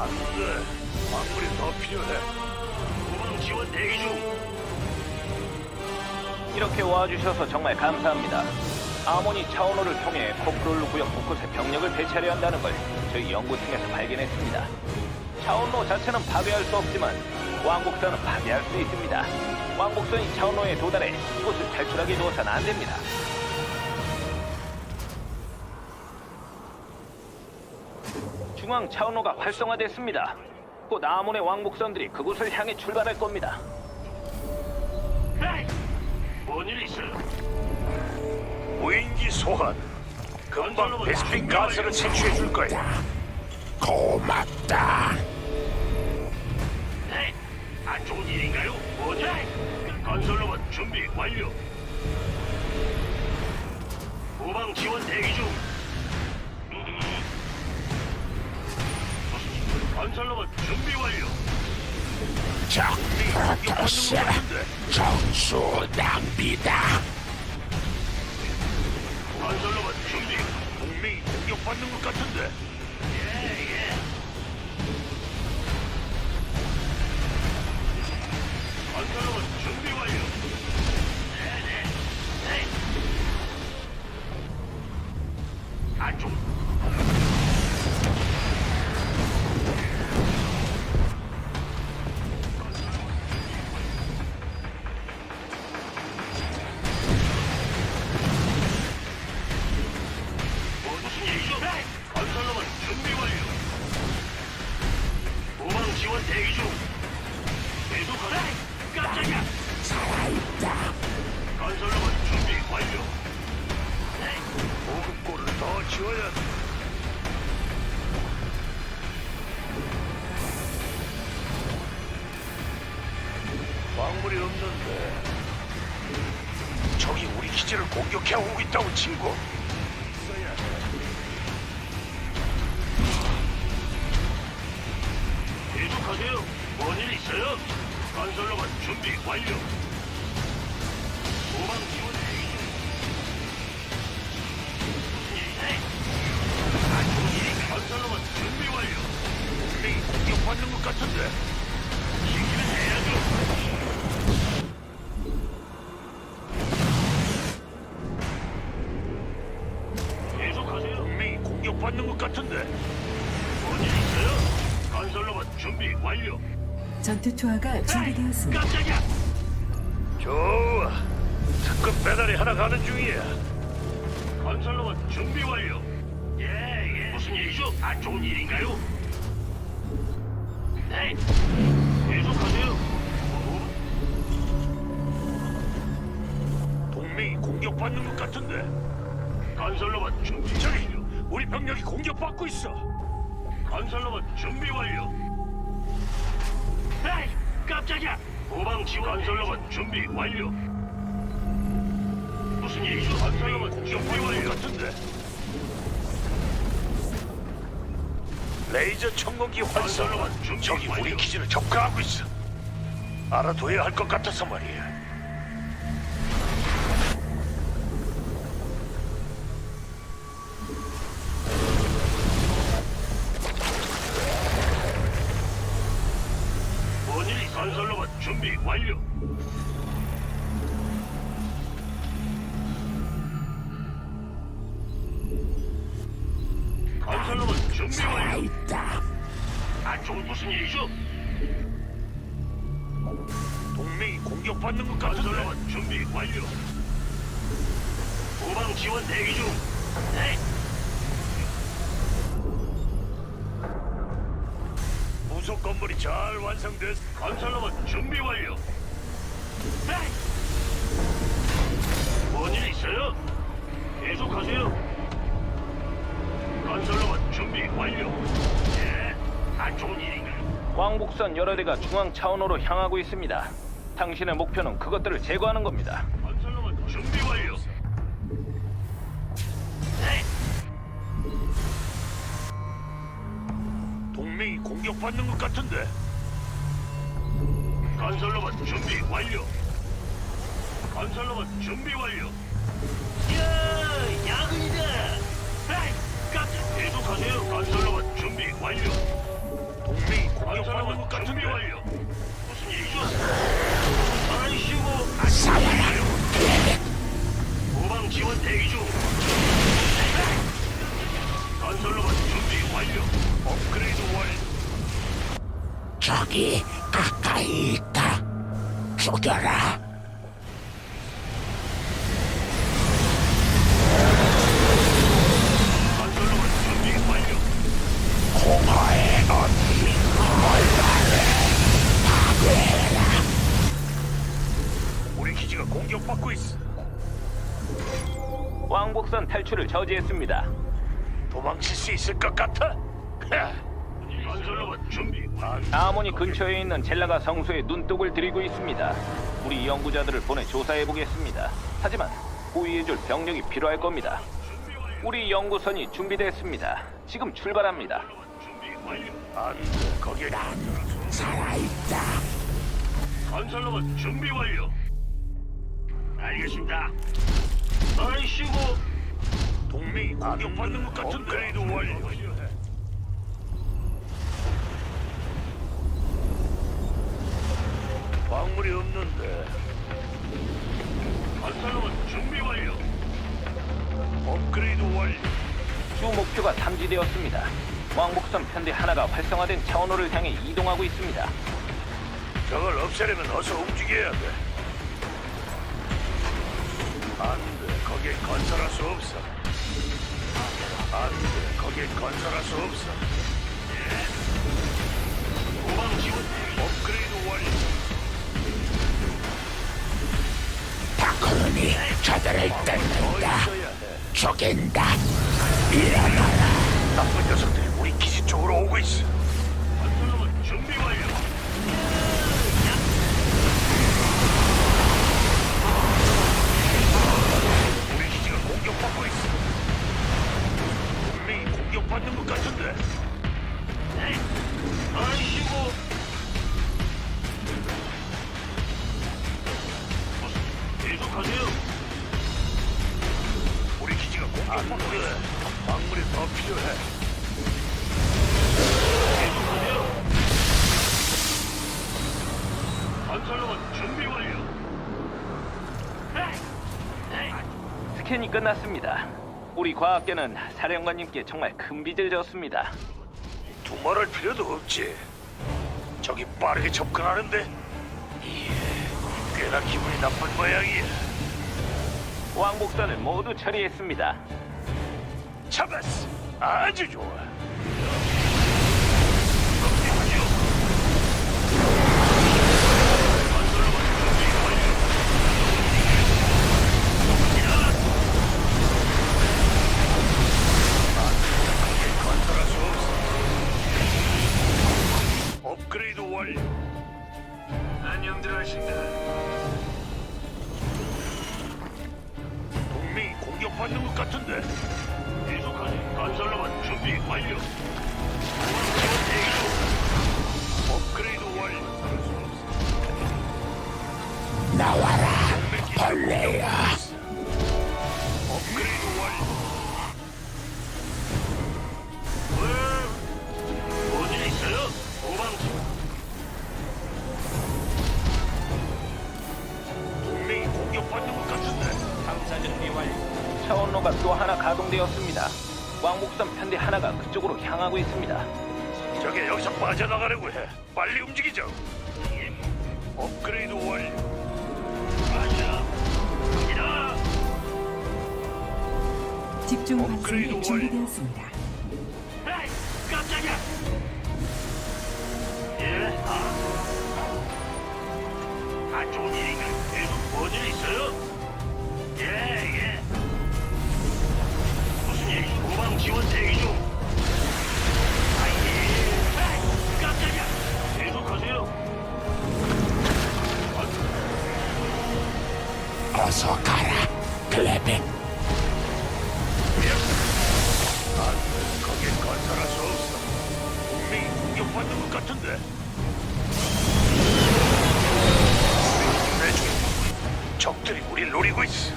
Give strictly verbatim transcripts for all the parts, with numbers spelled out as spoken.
돼. 광물이 더 필요해. 후방 지원 대기 중. 이렇게 와주셔서 정말 감사합니다. 아모니 차원호를 통해 코프롤루 구역 곳곳에 병력을 배치하려 한다는 걸 저희 연구팀에서 발견했습니다. 차원로 자체는 파괴할 수 없지만 왕복선은 파괴할 수 있습니다. 왕복선이 차원로에 도달해 이곳을 탈출하게 두어서는 안 됩니다. 중앙 차원로가 활성화됐습니다. 곧 아몬의 왕복선들이 그곳을 향해 출발할 겁니다. 에이, 뭔일 있어요? 무인기 소환. 금방 베스핀 가스를 채취해 줄 거야. 고맙다. 네, 안 좋은 일인가요? 뭐지? 건설로봇 준비 완료. 후방 지원 대기 중. 음. 건설로봇 준비 완료. 적 프로토스 정수 낭비다. 건설로봇 준비. 동맹이 공격받는 것 같은데. 예, 예. 건설로봇 준비 완료. 네, 네, 네. 안 좀. 무슨 일이죠? 건설로봇 준비 완료. 후방 지원 대기 중. 계속하라. 깜짝이야. 살아있다. 건설로봇 준비 완료. 보급고를 더 지어야 돼. 광물이 없는데. 적이 우리 기지를 공격해 오고 있다고 친구. 있어야 돼. 계속하세요. 뭔일 있어요? 건설로봇 준비 완료. 후방 지원 대기 중. 무슨 일이지? 안 좋은 일인가? 건설로봇 준비 완료. 동맹이 공격받는 것 같은데. 시키면 해야죠. 계속하세요. 동맹이 공격받는 것 같은데. 뭔일 있어요? 건설로봇 준비 완료. 전투 투하가 준비되었습니다. 깜짝이야. 좋아. 특급 배달이 하나 가는 중이야. 건설로봇 준비 완료. 예, 예. 무슨 일이죠? 안 좋은 일인가요? 네. 계속하세요. 어? 동맹이 공격받는 것 같은데. 건설로봇 준비. 저기, 우리 병력이 공격받고 있어. 건설로봇 준비 완료. 에이, 깜짝이야. 후방 지원 건설로봇 준비 완료. 무슨 일이죠? 건설로봇 준비 완료 같은데. 레이저 청공기 활성화. 적이 우리 기지를 접근하고 있어. 알아둬야 할 것 같아서 말이야. 뭔일이 건설로봇 준비 완료. 건설로봇 준비 완료. 살아있다. 안 좋은 무슨 일이죠? 동맹이 공격받는 것 같은데. 건설로봇 준비 완료. 후방 지원 대기 중. 네. 부속 건물이 잘 완성됐. 건설로봇 준비 완료. 네. 뭔일 있어요? 계속하세요. 건설로봇 준비 완료. 예, 안 좋은 일인가요? 왕복선 여러 대가 중앙 차원호로 향하고 있습니다. 당신의 목표는 그것들을 제거하는 겁니다. 건설로봇 준비 완료. 네. 동맹이 공격받는 것 같은데. 건설로봇 준비 완료. 건설로봇 준비 완료. 야, 야근이다. 에이, 깜짝. 계속하세요. 건설로봇 준비 완료. 동맹이 공격받는 것 같은데. 완료. 무슨 일이죠? 아이씨고. 싸워라. 후방 지원 대기 중. 건설로봇 준비 완료. 업그레이드 완료. 저기 가까이 있다. 죽여라. 건설로봇 준비 완료. 공허의 언니 얼마를 파괴해라. 우리 기지가 공격받고 있어. 왕복선 탈출을 저지했습니다. 도망칠 수 있을 것 같아? 건설로봇 준비 완료. 아모니 근처에 있는 젤라가 성소에 눈독을 들이고 있습니다. 우리 연구자들을 보내 조사해 보겠습니다. 하지만 호위해줄 병력이 필요할 겁니다. 우리 연구선이 준비됐습니다. 지금 출발합니다. 준비 완료. 안 돼. 거기에 살아있다. 건설로봇 준비 완료. 알겠습니다. 아이씨고. 동맹이 공격받는 것 같은데. 업그레이드 완료. 광물이 없는데. 건설로봇 준비 완료. 업그레이드 완료. 주 목표가 탐지되었습니다. 왕복선 편대 하나가 활성화된 차원호를 향해 이동하고 있습니다. 저걸 없애려면 어서 움직여야 돼. 안 돼. 거기에 건설할 수 없어. 안 돼. 거기에 건설할 수 없어. 예. 후방 지원 업그레이드 완료. 다크론이 저들을 더 뜯는다. 있어야 해. 죽인다. 일어나라. 나쁜 녀석들이 우리 기지 쪽으로 오고 있어. 건설로봇 준비 완료. 우리 기지가 공격받고 있어. 분명히 공격받는 것 같은데. 네. 아이씨고. 계속하세요. 우리 기지가 공격받고 있어. 광물이 더 필요해. 계속하세요. 건설로봇 준비 완료. 스캔이 끝났습니다. 우리 과학계는 사령관님께 정말 큰 빚을 졌습니다. 두말할 필요도 없지. 저기 빠르게 접근하는데. 예, 꽤나 기분이 나쁜 모양이야. 왕복선을 모두 처리했습니다. 잡았어. 아주 좋아. 건설할 수 없어. 업그레이드 완료. 안녕들 하신다. 동맹이 공격받는 것 같은데. 계속하네. 건설로만 준비 완료. 지원 대기 중. 업그레이드 완료. 나와라. 동맹 기지가 벌레야. 공격받고 있어. 업그레이드 완료. 왜? 뭔일 있어요? 도망치. 동맹이 공격받는 것 같은데. 탐사 준비 완료. 차원로가 또 하나 가동되었습니다. 왕복선 편대 하나가 그쪽으로 향하고 있습니다. 저게 여기서 빠져나가려고 해. 빨리 움직이죠. 업그레이드 완료. 맞아. 갑니다. 집중 업그레이드 발사에 완료. 준비되었습니다. 에이, 깜짝이야. 예, 아. 안 좋은 일인가? 계속 뭔일 있어요? 예, 예. 무슨 일? 후방 지원 대기 중. 아이, 에이, 깜짝이야. 계속하세요. 어서 가라. 클레백. 안 돼. 거긴 건설할 수 없어. 분명히 공격받는 것 같은데. 내중에 적들이 우릴 노리고 있어.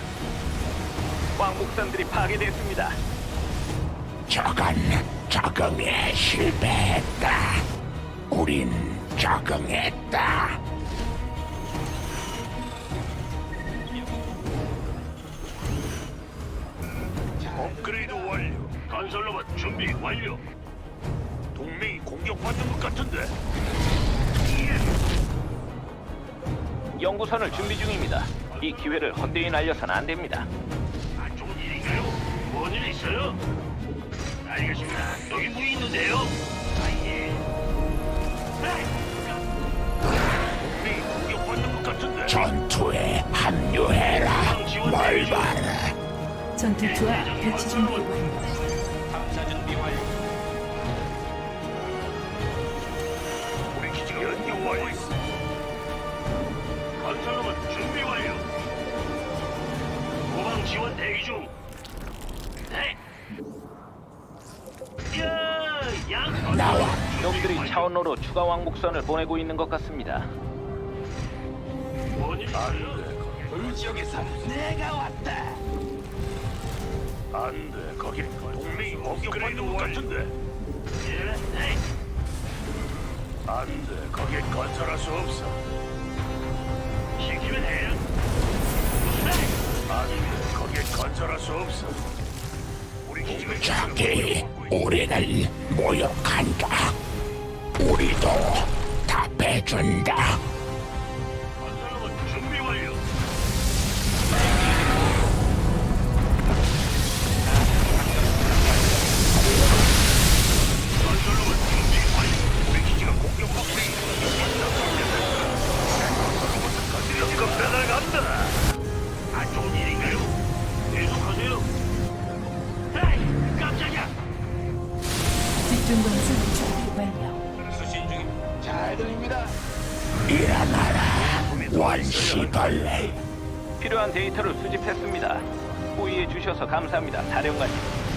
왕복선들이 파괴됐습니다. 저건 적응에 실패했다. 우린 적응했다. 업그레이드 완료. 건설로봇 준비 완료. 동맹이 공격받는 것 같은데. 연구선을 준비 중입니다. 이 기회를 헛되이 날려서는 안 됩니다. 안 좋은 일인가요? 뭔 일 있어요? 알겠습니다. 여기 뭐 있는데요? 아, 예. 에이! 동맹이 공격받는 것 같은데. 전투에 합류해라. 뭘 봐라. 전투 투하 배치 준비 완료. 탐사 준비 완료. 우리 기지가 연결 완료. 건설로봇 준비 완료. 후방 지원 대기 중. 네. 야, 양. 나와. 놈들이 차원로로 추가 왕복선을 보내고 있는 것 같습니다. 뭔일 있어요? 불지역에서 내가 왔다. 안돼, 거기 동맹이 공격받는 것 같은데. 예, 네. 안돼, 거기 건설할 수 없어. 시키면 해요. 네. 안돼, 거기 건설할 수 없어. 우리 기지가 적이 우리를 모욕한다. 우리도 답해준다. 건설로봇 준비 완료. 건설로봇 준비 완료. 우리 기지가 공격받고 있습니다. 연금 배달 간다. 안 좋은 일인가요? 계속하세요. 에이, 깜짝이야. 집중 건설 준비 완료. 수신 중입. 잘 들립니다. 일어나라. 원시벌레. 필요한 데이터를 수집했습니다. 호의해 주셔서 감사합니다, 사령관님.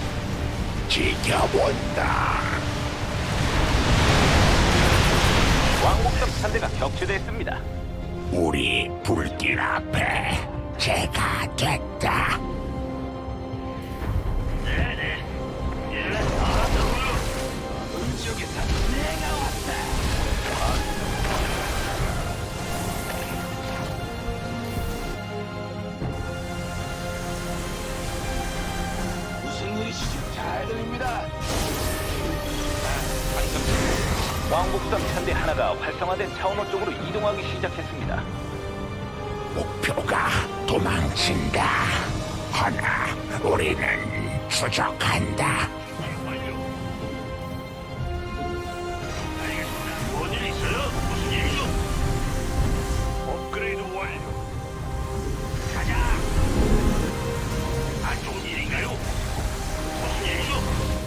지켜본다. 왕복선 편대가 격추됐습니다. 우리 불길 앞에 제가 됐다. 네네. 예, 알았다고요. 음지역에서 내가 왔다. 무슨 일이시죠? 잘 들립니다. 왕복선 편대 하나가 활성화된 차원호 쪽으로 이동하기 시작했습니다. 목표가 도망친다. 허나 우리는 추적한다. 완료. 알겠습니다. 뭔일 있어요? 무슨 일이죠? 업그레이드 완료. 가자. 안 좋은 일인가요? 무슨 일이죠?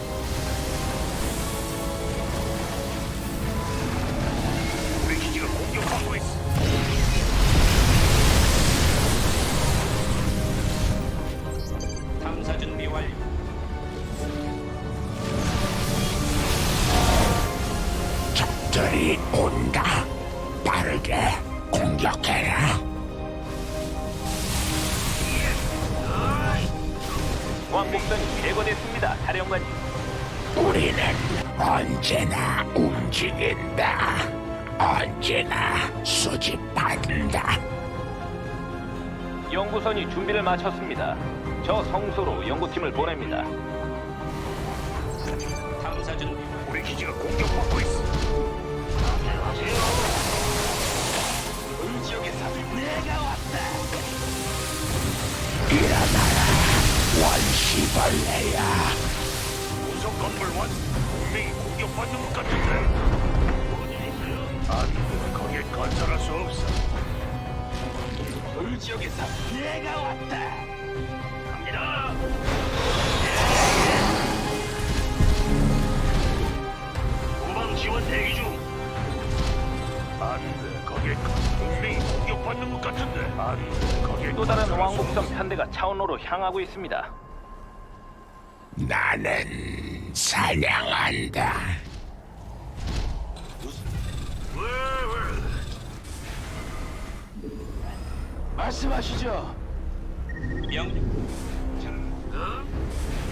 우리 기지가 공격받고 있어. 탐사 준비 완료. 적들이 온다. 빠르게 공격해라. 왕복선이 제거됐습니다, 사령관님. 우리는 언제나 움직인다. 언제나 수집한다. 연구선이 준비를 마쳤습니다. 저 성소로 연구팀을 보냅니다. 탐사 준비. 우리 기지가 공격받고 있어. 하세요. 음지역에서 내가 왔다. 일어나라. 원시벌레야. 우선 건물 완. 동맹이 공격받는 것 같은데. 뭔일 있어요? 안돼, 거기에 건설할 수 없어. 음지역에서 내가 왔다. 갑니다. 후방 지원 대기 중. 안돼, 거기에 건- 동맹이 공격받는 것 같은데. 안돼, 거기에 또 다른 건설할 수 왕복선 없어. 편대가 차원로로 향하고 있습니다. 나는 사냥한다. 왜, 왜? 말씀하시죠. 어?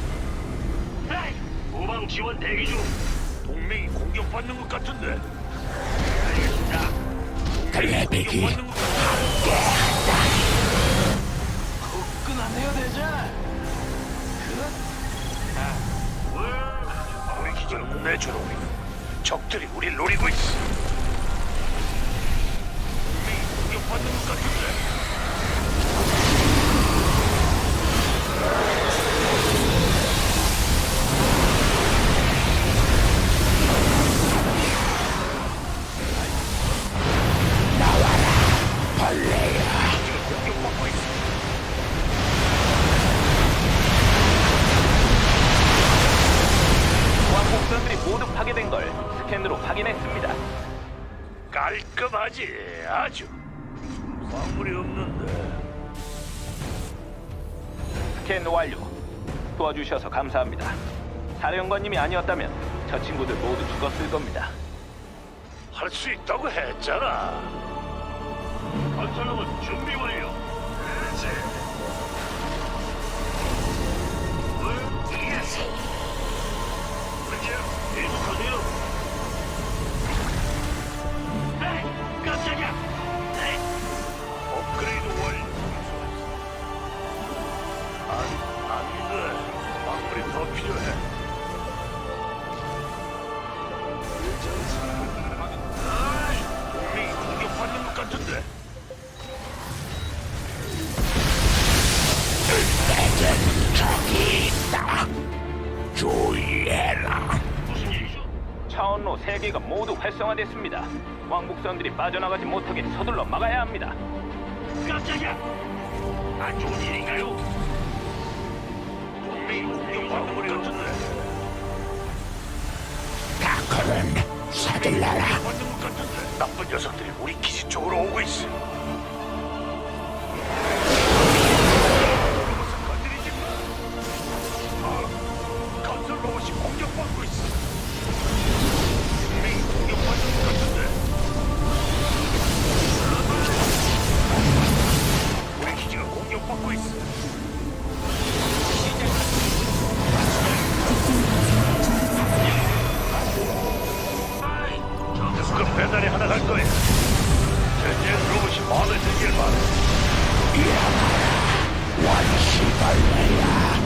에이! 후방 지원 대기 중. 동맹이 공격받는 것 같은데. 갑니다. 글래빅이 끝나네요, 대장. 우리 기지는 내주로 적들이 우리 노리고 있어. 우리 공격받는 것 같은데. 벌레야. 공격받고 있어. 왕복선들이 모두 파괴된 걸 스캔으로 확인했습니다. 깔끔하지, 아주. 광물이 없는데. 스캔 완료. 도와주셔서 감사합니다. 사령관님이 아니었다면 저 친구들 모두 죽었을 겁니다. 할 수 있다고 했잖아. 건설로봇 준비 완료. 그렇지. 계속하세요. 에이, 깜짝이야. 에이. 업그레이드 완료. 안, 안 돼. 광물이 더 필요해. 아이, 동맹이 공격받는 것 같은데. 내겐 적이 있다. 주의해라. 무슨 일이죠? 차원로 세 개가 모두 활성화됐습니다. 왕복선들이 빠져나가지 못하게 서둘러 막아야 합니다. 깜짝이야! 안 좋은 일인가요? 동맹이 공격받는 것 같은데. 다크는 서둘러라. 받는 것 같은데. 나쁜 녀석들이 우리 기지 쪽으로 오고 있어. 로봇을 건드리지 마. 아, 건설 로봇이 공격받고 있어. 동맹이 공격받는 것 같은데. 우리 기지가 공격받고 있어. 그 배달이 하나 갈 거야. 현재 로봇이 마음에 들길 바래. 원시벌레야.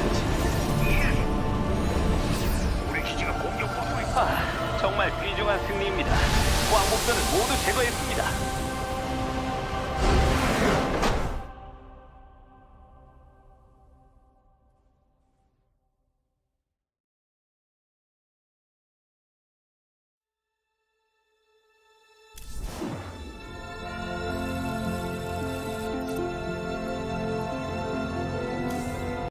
우리 기지가 공격받고 있어. 아, 정말 귀중한 승리입니다. 왕복선을 모두 제거했습니다.